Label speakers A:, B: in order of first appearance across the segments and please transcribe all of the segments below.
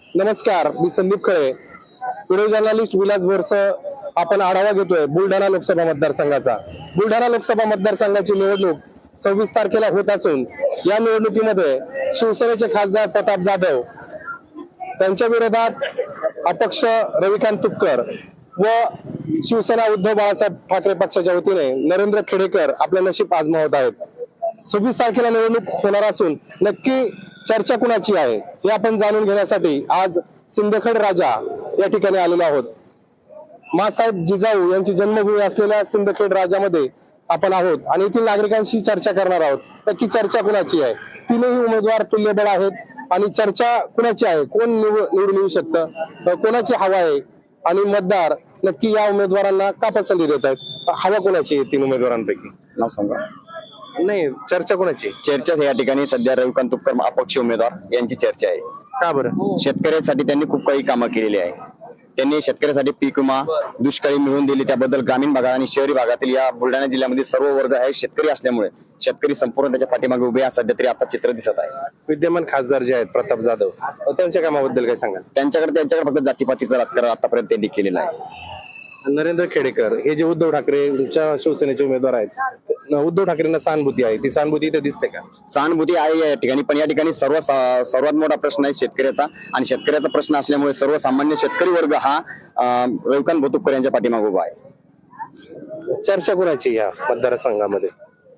A: नमस्कार, मी Sandeep Khale, video journalist Vilas Boras. आपण आढावा घेतोय बुलढाणा लोकसभा मतदारसंघाचा. बुलढाणा लोकसभा मतदारसंघाची निवडणूक 26 तारखेला होत असून या निवडणुकीमध्ये शिवसेनेचे खासदार प्रताप जाधव, त्यांच्या विरोधात अपक्ष रविकांत तुपकर व शिवसेना उद्धव बाळासाहेब ठाकरे पक्षाच्या वतीने नरेंद्र खेडेकर आपले नशीब आजमावत आहेत. 26 तारखेला निवडणूक होणार असून नक्की चर्चा कुणाची आहे हे आपण जाणून घेण्यासाठी आज सिंदखेड राजा या ठिकाणी आलेलो आहोत. मासाहेब जिजाऊ यांची जन्मभूमी असलेल्या सिंदखेड राजामध्ये आपण आहोत आणि येथील नागरिकांशी चर्चा करणार आहोत. नक्की चर्चा कुणाची आहे? तीनही उमेदवार तुल्यबळ आहेत आणि चर्चा कुणाची आहे, कोण निवडून येऊ शकतं, कोणाची हवा आहे आणि मतदार नक्की या उमेदवारांना का पसंती देत आहेत? हवा कोणाची आहे तीन उमेदवारांपैकी?
B: नाव सांगा.
A: नाही, चर्चा कोणाची?
B: चर्चा या ठिकाणी सध्या रविकांत तुपकर अपक्ष उमेदवार यांची चर्चा आहे.
A: का बरं?
B: शेतकऱ्यांसाठी त्यांनी खूप काही कामं केलेली आहे. त्यांनी शेतकऱ्यासाठी पीक विमा, दुष्काळी मिळवून दिली. त्याबद्दल ग्रामीण भागात आणि शहरी भागातील या बुलढाणा जिल्ह्यामध्ये सर्व वर्ग हे शेतकरी असल्यामुळे शेतकरी संपूर्ण त्याच्या पाठीमागे उभे आहे. सध्या तरी आता चित्र दिसत आहे.
A: विद्यमान खासदार जे आहेत प्रताप जाधव, त्यांच्या कामाबद्दल काय सांगाल?
B: त्यांच्याकडे फक्त जातीपातीचं राजकारण आतापर्यंत त्यांनी केलेलं आहे.
A: नरेंद्र खेडेकर हे जे उद्धव ठाकरेंच्या शिवसेनेचे उमेदवार आहेत, उद्धव ठाकरेंना सहानुभूती आहे, ती सहानुभूती इथे दिसते का?
B: सहानुभूती आहे या ठिकाणी, पण या ठिकाणी सर्वात मोठा प्रश्न आहे शेतकऱ्याचा. आणि शेतकऱ्याचा प्रश्न असल्यामुळे सर्वसामान्य शेतकरी वर्ग हा रविकांत तुपकर यांच्या पाठीमागे उभा आहे.
A: चर्चा कोणाची या मतदारसंघामध्ये?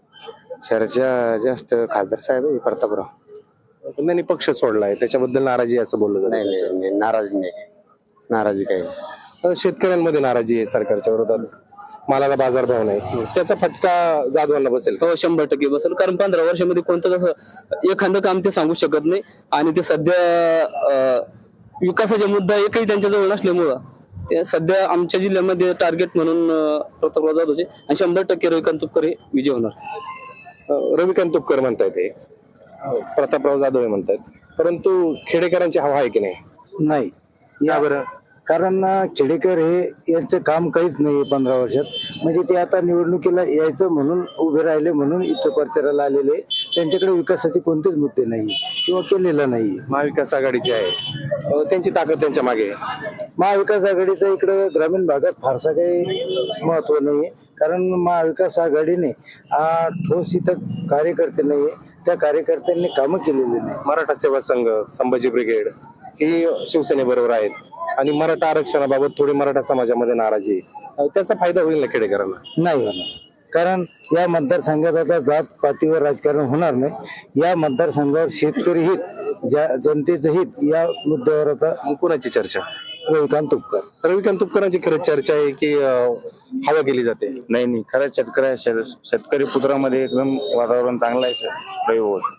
B: चर्चा जास्त खासदार साहेब प्रतापराव.
A: त्यांनी पक्ष सोडलाय, त्याच्याबद्दल नाराजी असं बोललं जातं.
B: नाही, नाराजी काही नाही.
A: शेतकऱ्यांमध्ये नाराजी आहे सरकारच्या विरोधात, मालाला बाजारभाव नाही, त्याचा फटका जाधवांना बसेल?
C: हो, 100% बसेल. कारण 15 वर्षामध्ये कोणतं कसं एखादं काम ते सांगू शकत नाही आणि ते सध्या विकासाचे मुद्दा एकही त्यांच्याजवळ नसल्यामुळं ते सध्या आमच्या जिल्ह्यामध्ये टार्गेट म्हणून प्रतापराव जाधवचे आणि 100% रविकांत तुपकर हे विजय होणार.
A: रविकांत तुपकर म्हणतायत, हे प्रतापराव जाधव म्हणतायत, परंतु खेडेकरांची हवा आहे की नाही?
D: नाही.
A: या बरं?
D: कारण खेडेकर हे यांचं काम काहीच नाही 15 वर्षात. म्हणजे ते आता निवडणुकीला यायचं म्हणून उभे राहिले म्हणून इथं प्रचाराला आलेले. त्यांच्याकडे विकासाचे कोणतेच मुद्दे नाही किंवा केलेला नाही.
A: महाविकास आघाडीची आहे, त्यांची ताकद त्यांच्या मागे आहे.
D: महाविकास आघाडीचं इकडं ग्रामीण भागात फारसा काही महत्व नाहीये. कारण महाविकास आघाडीने ठोस इथं कार्यकर्ते नाहीये, त्या कार्यकर्त्यांनी कामं केलेली नाही.
A: मराठा सेवा संघ, संभाजी ब्रिगेड ही शिवसेनेबरोबर आहेत आणि मराठा आरक्षणाबाबत थोडी मराठा समाजामध्ये नाराजी आहे. त्याचा फायदा होईल ना खेडेकरांना?
D: नाही होणार. कारण या मतदारसंघात आता जात पातीवर राजकारण होणार नाही. या मतदारसंघावर शेतकरी हित, जनतेचं हित या मुद्द्यावर आता
A: मग कोणाची चर्चा?
D: रविकांत तुपकर.
A: रविकांत तुपकरांची खरंच चर्चा आहे की हवा केली जाते?
B: नाही, खरंच शेतकरी पुत्रामध्ये एकदम वातावरण चांगलं आहे.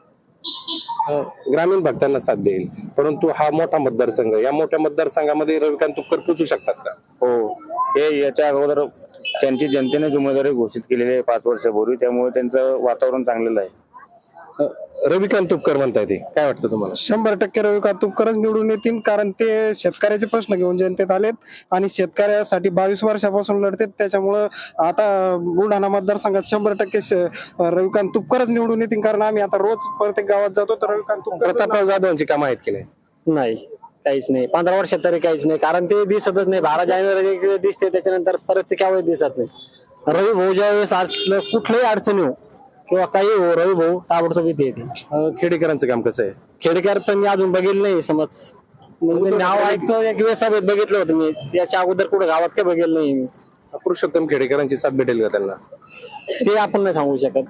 A: ग्रामीण भागांना साथ देईल, परंतु हा मोठा मतदारसंघ, या मोठ्या मतदारसंघामध्ये रविकांत तुपकर पोचू शकतात का?
B: हो, हे याच्या अगोदर त्यांची जनतेनेच उमेदवारी घोषित केलेली आहे 5 वर्षापूर्वी, त्यामुळे त्यांचं वातावरण चांगलेलं आहे.
A: रविकांत तुपकर म्हणताय, ते काय वाटतं तुम्हाला?
E: 100% रविकांत तुपकरच निवडून येतील. कारण ते शेतकऱ्याचे प्रश्न घेऊन जनतेत आलेत आणि शेतकऱ्यासाठी 22 वर्षापासून लढतात. त्याच्यामुळं आता बुलढाणा मतदारसंघात 100% रविकांत तुपकरच निवडून येतील. कारण आम्ही आता रोज प्रत्येक गावात जातो तर रविकांत तुपकर.
A: प्रतापराव जाधवांची कामं आहेत की नाही?
C: नाही, काहीच नाही. 15 वर्षात तरी काहीच नाही. कारण ते दिसतच नाही. 12 जानेवारी इकडे दिसते, त्याच्यानंतर परत ते केव्हाही दिसत नाही. रवी भाऊ ज्यावेळेस कुठल्याही अडचणी हो किंवा काही हो, रवी भाऊ ताबडतोब इथे येते.
A: खेडेकरांचं काम कसं आहे?
C: खेडेकर तर मी अजून बघितलं नाही. समज नाव ऐकतो, एक वेळेस सभेत बघितलं होतं मी. त्याच्या अगोदर कुठे गावात काय बघितलं नाही मी.
A: पुरुषोत्तम खेडेकरांची साथ भेटेल का त्यांना?
C: ते आपण नाही सांगू शकत.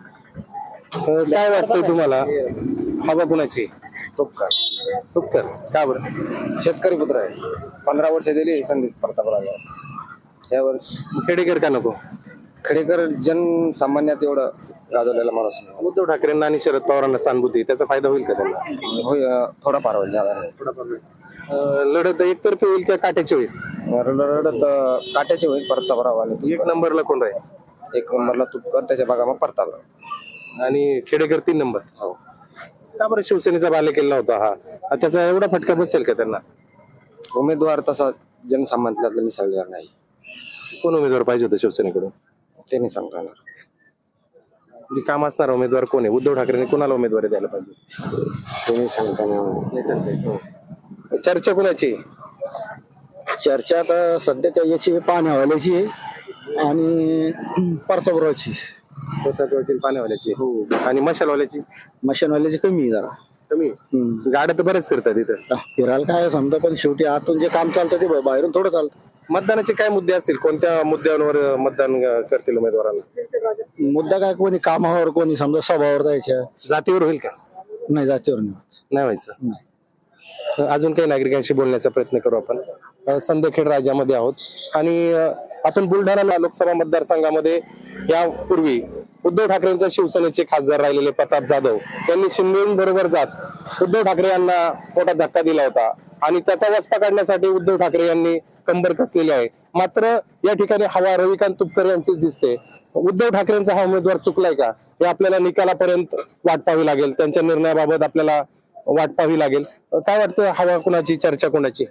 A: काय वाटतं तुम्हाला, हवा कुणाची? तुपकर. का बरं?
B: शेतकरी पुत्र आहे. 15 वर्ष दिली संधी प्रतापराव. यावर्ष
A: खेडेकर का नको?
B: खेडेकर जनसामान्यात एवढं गाजवलेला माणूस नाही.
A: उद्धव ठाकरेंना आणि शरद पवारांना सहानुभूती, त्याचा फायदा होईल का त्यांना?
B: होय, थोडाफार होईल, ज्यादा नाही.
A: लढत एकतर्फी होईल का काट्याची होईल?
B: रडत काट्याचे होईल प्रतापराव. आणि
A: 1 नंबरला कोण राहील?
B: 1 नंबरला तुपकर, त्याच्या भागा मग प्रतापराव
A: आणि खेडेकर 3 नंबर.
B: हो.
A: का बरं? शिवसेनेचा बालेकिल्ला होता हा, त्याचा एवढा फटका बसेल का त्यांना?
B: उमेदवार तसा जनसामान्यातला मिसळलेला नाही.
A: कोण उमेदवार पाहिजे होता शिवसेनेकडून?
B: ते नाही सांगता येणार.
A: म्हणजे काम असणारा उमेदवार कोण आहे? उद्धव ठाकरेंनी कोणाला उमेदवारी द्यायला पाहिजे?
B: ते नाही सांगता येणार.
A: चर्चा कुणाची?
D: चर्चा आता सध्या त्या याची पाण्यावाल्याची आहे आणि परतापुराची.
A: पाण्यावाल्याची आणि मशालवाल्याची
D: मशीनवाल्याची कमी आहे जरा.
A: कमी गाड्या तर बरेच फिरतात इथं.
D: फिरायला काय समजा, पण शेवटी आतून जे काम चालतं ते बाहेरून थोडं चालतं.
A: मतदानाचे काय मुद्दे असतील? कोणत्या मुद्द्यांवर मतदान करतील उमेदवारांना?
D: मुद्दा काय, कोणी कामावर, कोणी समजा सभावर जायच्या.
A: जातीवर होईल का?
D: नाही, जातीवर नाही.
A: नाही व्हायचं. अजून काही नागरिकांशी बोलण्याचा प्रयत्न करू आपण. संदखेड राज्यामध्ये आहोत आणि आपण बुलढाणा लोकसभा मतदारसंघामध्ये यापूर्वी उद्धव ठाकरेंच्या शिवसेनेचे खासदार राहिलेले प्रताप जाधव यांनी शिंदेबरोबर जात उद्धव ठाकरे यांना मोठा धक्का दिला होता आणि त्याचा वचपा काढण्यासाठी उद्धव ठाकरे यांनी कंबर कसलेली आहे. मात्र या ठिकाणी हवा रविकांत तुपकर यांचीच दिसते. उद्धव ठाकरेंचा हा उमेदवार चुकलाय का हे आपल्याला निकालापर्यंत वाट पाहावी लागेल. त्यांच्या निर्णयाबाबत आपल्याला वाट पाहावी लागेल. काय वाटतं, हवा कुणाची, चर्चा कोणाची?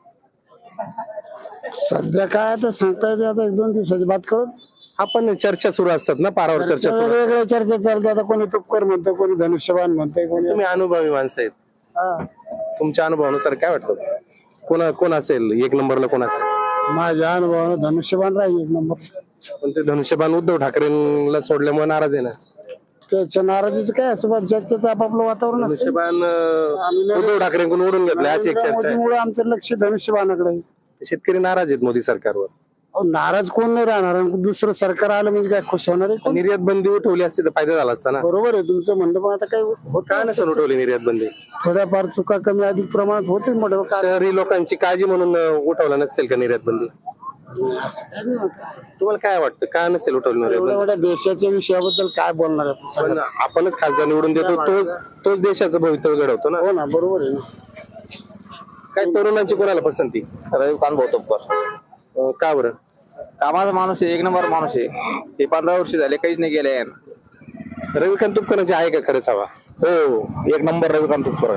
D: सध्या काय आता सांगता येते, आता 1-2 दिवसाची बात करून
A: आपण चर्चा सुरू असतात ना, पारावर चर्चा सुरू असतात.
D: वेगवेगळ्या चर्चा चालतात. आता कोणी तुपकर म्हणतं, कोणी धनुष्यबाण म्हणतंय, कोणी.
A: तुम्ही अनुभवी माणसं आहेत, तुमच्या अनुभवानुसार काय वाटतं कोण असेल एक नंबरला, कोण असेल?
D: माझ्या अनुभवानं धनुष्यबाण राहील 1 नंबर.
A: पण ते धनुष्यबाण उद्धव ठाकरेंना सोडल्यामुळे नाराज आहे ना.
D: त्याच्या नाराजीचं काय असं, ज्याचं आपापलं वातावरण असतं.
A: धनुष्यबाण उद्धव ठाकरेंकडून ओढून घेतलं अशी एक चर्चा आहे.
D: मोदीमुळे आमचं लक्ष धनुष्यबाणाकडे आहे.
A: शेतकरी नाराज आहेत मोदी सरकारवर.
D: अहो, नाराज कोण नाही राहणार, दुसरं सरकार आलं म्हणजे काय खुश होणार आहे कोण?
A: निर्यात बंदी उठवली असती तर फायदा झाला असता ना.
D: बरोबर आहे तुमचं म्हणणं, पण आता काय होत
A: काय नसेल उठवली निर्यात बंदी?
D: थोड्याफार चुका कमी अधिक प्रमाणात होतील. मोठं
A: शहरी लोकांची काळजी म्हणून उठवला नसेल का निर्यात बंदी? तुम्हाला काय वाटतं, काय नसेल उठवली निर्यात
D: एवढ्या
A: बंदी?
D: मोठ्या देशाच्या विषयाबद्दल काय बोलणार आहे आपण?
A: पण आपणच खासदार निवडून देतो, तोच देशाचं भवितव्य घडवतो ना.
D: हो ना, बरोबर आहे ना.
A: काय तरुणांची कोणाला पसंती?
B: रविकांत भाऊ तुपकर
A: का बरं?
B: कामाचा माणूस आहे, 1 नंबर माणूस आहे. हे 15 वर्ष झाले काहीच नाही गेले.
A: रविकांत तुपकरांची आहे का खरंच हवा?
B: हो, 1 नंबर रविकांत तुपकर.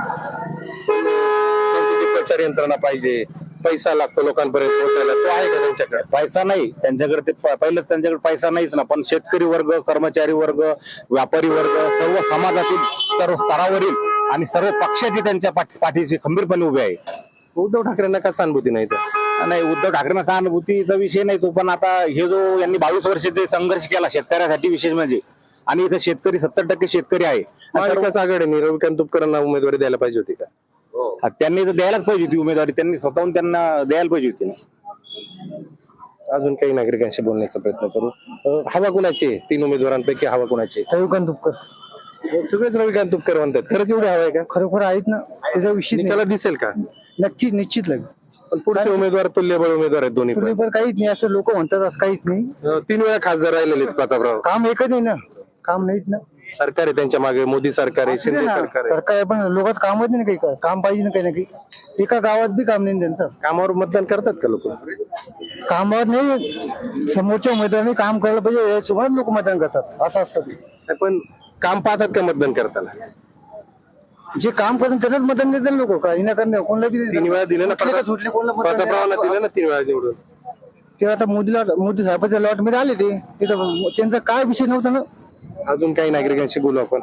A: त्यांची जी प्रचार यंत्रणा पाहिजे, पैसा लागतो लोकांपर्यंत पोहोचायला, तो आहे का त्यांच्याकडे?
B: पैसा नाही त्यांच्याकडे, ते पहिलंच त्यांच्याकडे पैसा नाहीच ना. पण शेतकरी वर्ग, कर्मचारी वर्ग, व्यापारी वर्ग, सर्व समाजातील सर्व स्तरावरील आणि सर्व पक्षाची त्यांच्या पाठीशी खंबीरपणे उभे आहे.
A: उद्धव ठाकरेंना का सहानुभूती नाही तर?
B: नाही, उद्धव ठाकरेंना सहानुभूतीचा विषय नाही तो. पण आता हे जो यांनी 22 वर्ष जे संघर्ष केला शेतकऱ्यासाठी विशेष म्हणजे, आणि इथं शेतकरी 70% शेतकरी आहे.
A: महाविकास आघाडीने रविकांत तुपकरांना उमेदवारी द्यायला पाहिजे होती का?
B: त्यांनी तर द्यायलाच पाहिजे होती उमेदवारी. त्यांनी स्वतःहून त्यांना द्यायला पाहिजे होती ना.
A: अजून काही नागरिकांशी बोलण्याचा प्रयत्न करू. हवा कुणाची आहे? 3 उमेदवारांपैकी हवा कुणाची?
D: रविकांत तुपकर.
A: सगळेच रविकांत तुपकर म्हणतात. खरंच एवढी हवा आहे का?
D: खरोखर आहेत ना, त्याचा विषय नाही.
A: त्याला दिसेल का?
D: नक्की, निश्चित लागेल.
A: पण पुढचे उमेदवार तुल्यबळ उमेदवार आहेत दोन्ही पण.
D: पण काहीच नाही असं लोक म्हणतात, असं काहीच नाही.
A: 3 वेळा खासदार राहिलेले आहेत प्रतापराव.
D: काम एकच नाही ना, काम नाहीत ना.
A: सरकार आहे त्यांच्या मागे, मोदी सरकार आहे, शिंदे सरकार आहे.
D: सरकार आहे, पण लोकांचं कामच नाही. काही काम पाहिजे ना, काही ना काही. एका गावात बी काम नाही त्यांचं.
A: कामावर मतदान करतात का लोक?
D: कामावर नाही, समोरच्या उमेदवारांनी काम करायला पाहिजे याच्यामुळे लोक मतदान करतात, असं असतं.
A: पण काम पाहतात का मतदान करताना?
D: जे काम करतात त्यांनाच मतदान देतात लोक. काही ना करणे कोणाला बी
A: 3 वेळा दिलं ना
D: सुटले, कोणाला मतदान
A: प्रतापरावांना
D: नाही.
A: दिलं ना 3 वेळा निवडून.
D: ते आता मोदी साहेबांच्या लॉट मध्ये आले ते तिथं, त्यांचा काय विषय नव्हता ना.
A: अजून काही नागरिकांशी बोलू आपण.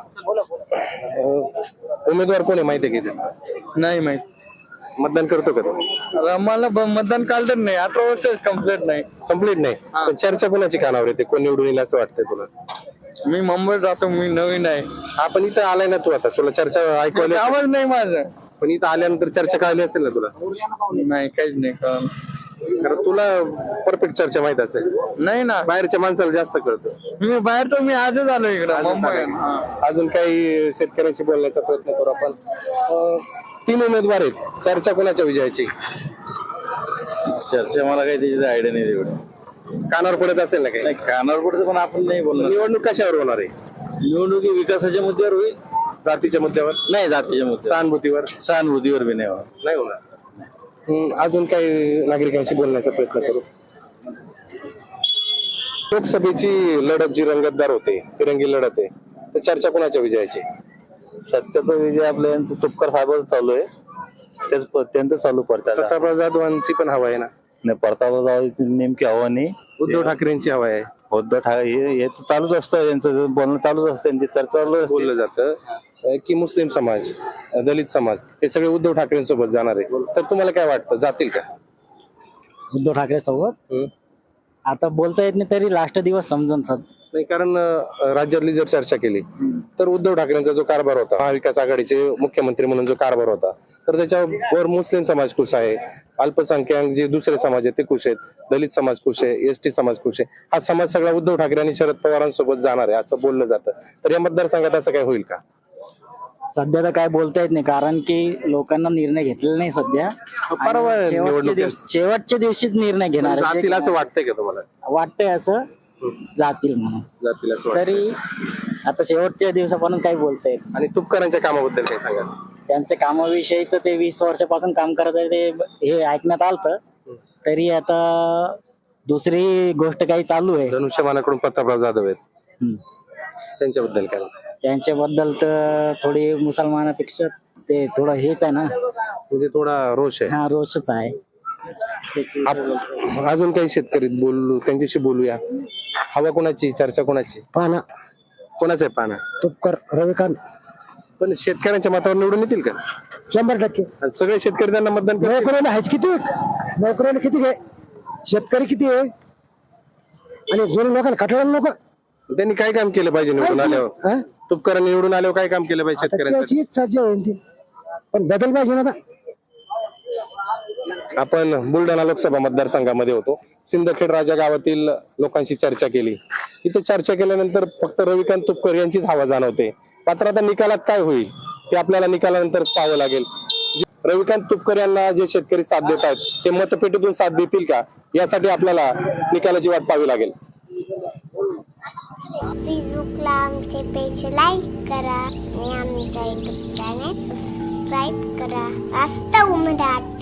A: उमेदवार कोण आहे माहिती आहे का?
C: नाही माहित.
A: मतदान करतो का तो?
C: मला मतदान काढलं नाही, 18 वर्ष कंप्लीट नाही.
A: कम्प्लीट नाही. पण चर्चा कोणाची कानावर येते, कोण निवडून येईल असं वाटतंय तुला?
C: मी मुंबईत राहतो, मी नवीन आहे.
A: आपण इथं आलाय ना तू, आता तुला चर्चा ऐकवायला.
C: आवाज नाही माझं.
A: पण इथं आल्यानंतर चर्चा कळली असेल ना तुला?
C: नाही, काहीच नाही कळलं.
A: कारण तुला परफेक्ट चर्चा माहित असेल.
C: नाही ना,
A: बाहेरच्या माणसाला जास्त कळतं.
C: मी बाहेरचं, मी आजच आलो इकडं मुंबई.
A: अजून काही शेतकऱ्यांशी बोलण्याचा प्रयत्न करू आपण. 3 उमेदवार आहेत, चर्चा कोणाच्या विजयाची?
B: चर्चा मला काही त्याची आयडिया नाही एवढी.
A: कानावर पडत असेल ना काही?
B: कानावर पडतं पण आपण नाही बोलणार.
A: निवडणूक कशावर होणार आहे?
B: निवडणुकी विकासाच्या मुद्द्यावर होईल.
A: जातीच्या मुद्द्यावर
B: नाही, जातीच्या मुद्द्यावर,
A: सहानुभूतीवर
B: सहानुभूतीवर बी नाही होणार.
A: नाही होणार. अजून काही नागरिकांशी बोलण्याचा प्रयत्न करू. लोकसभेची लढत जी रंगतदार होते, तिरंगी लढत आहे, तर चर्चा कोणाच्या विजयाची?
B: सत्य तर विजय आपल्या यांचं तुपकर साहेबांचं चालू आहे. त्यांचं चालू पडतात.
A: प्रतापराव जाधवांची पण हवा आहे ना?
B: नाही, परतावा नेमकी हवा नाही.
A: उद्धव ठाकरेंची हवा आहे.
B: उद्धव ठाकरे हे चालूच असतं, यांचं बोलणं चालूच असतं, त्यांची चर्चा चालू असते.
A: बोललं जातं. की मुस्लिम समाज, दलित समाज हे सगळे उद्धव ठाकरेंसोबत जाणार आहे, तर तुम्हाला काय वाटतं जातील का?
F: उद्धव ठाकरे सोबत आता बोलता येत नाही, तरी लास्ट दिवस समजून सर.
A: नाही, कारण राज्यातली जर चर्चा केली तर उद्धव ठाकरेंचा जो कारभार होता, महाविकास आघाडीचे मुख्यमंत्री म्हणून जो कारभार होता, तर त्याच्यावर मुस्लिम समाज खुश आहे, अल्पसंख्याक जे दुसरे समाज आहेत ते खुश आहेत, दलित समाज खुश आहे, एसटी समाज खुश आहे. हा समाज सगळा उद्धव ठाकरे आणि शरद पवारांसोबत जाणार आहे असं बोललं जातं. तर या मतदारसंघात असं काय होईल का?
F: सध्या तर काय बोलता येत नाही, कारण की लोकांना निर्णय घेतलेला नाही सध्या.
A: परवा
F: आणि
A: निवडणुकीत
F: शेवटच्या दिवशीच निर्णय घेणार आहे.
A: जातील असं वाटतंय का तुम्हाला?
F: वाटतंय असं जातील म्हणून.
A: जातील असं वाटतंय.
F: तरी आता शेवटच्या दिवसापासून काही बोलता येत नाही.
A: आणि तुपकरांच्या कामाबद्दल काय सांगा?
F: त्यांच्या कामाविषयी तर ते 20 वर्षापासून काम करत आहे, ते हे ऐकण्यात आलं. तरी आता दुसरी गोष्ट काही चालू आहे.
A: धनुष्यबाणाकडून प्रतापराव जाधव आहेत,
F: हम्म.
A: त्यांच्याबद्दल काय?
F: त्यांच्याबद्दल तर थोडी मुसलमानापेक्षा ते थोडं हेच आहे ना.
A: म्हणजे थोडा रोष आहे.
F: हा, रोषच आहे.
A: अजून काही शेतकरी बोलू, त्यांच्याशी बोलूया. हवा कोणाची, चर्चा कोणाची?
D: पाना
A: कोणाचं आहे पाना?
D: तुपकर रविकांत
A: पण शेतकऱ्यांच्या मतावर निवडून येतील का?
D: 100%.
A: आणि सगळे शेतकरी त्यांना मतदान करतील?
D: नोकऱ्याला आहेच किती, नोकऱ्याला किती घे, शेतकरी किती आहे आणि जुने लोकांना खटवलेले लोक.
A: त्यांनी काय काम केलं पाहिजे निवडून आल्यावर? तुपकरांनी निवडून आल्यावर काय काम केलं पाहिजे शेतकऱ्यांसाठी?
D: त्याची इच्छा जी होईल ती, पण बदल पाहिजे ना आता.
A: आपण बुलढाणा लोकसभा मतदारसंघामध्ये होतो. सिंदखेड राजा गावातील लोकांशी चर्चा केली. इथे चर्चा केल्यानंतर फक्त रविकांत तुपकर यांचीच हवा जाणवते. मात्र आता निकालात काय होईल ते आपल्याला निकालानंतरच पाहावं लागेल. रविकांत तुपकर यांना जे शेतकरी साथ देत आहेत ते मतपेटीतून साथ देतील का, यासाठी आपल्याला निकालाची वाट पाहावी लागेल.
G: फेसबुकला आमचे पेज लाईक करा आणि आमच्या युट्यूब चॅनेल सबस्क्राईब करा. वास्तव मराठी.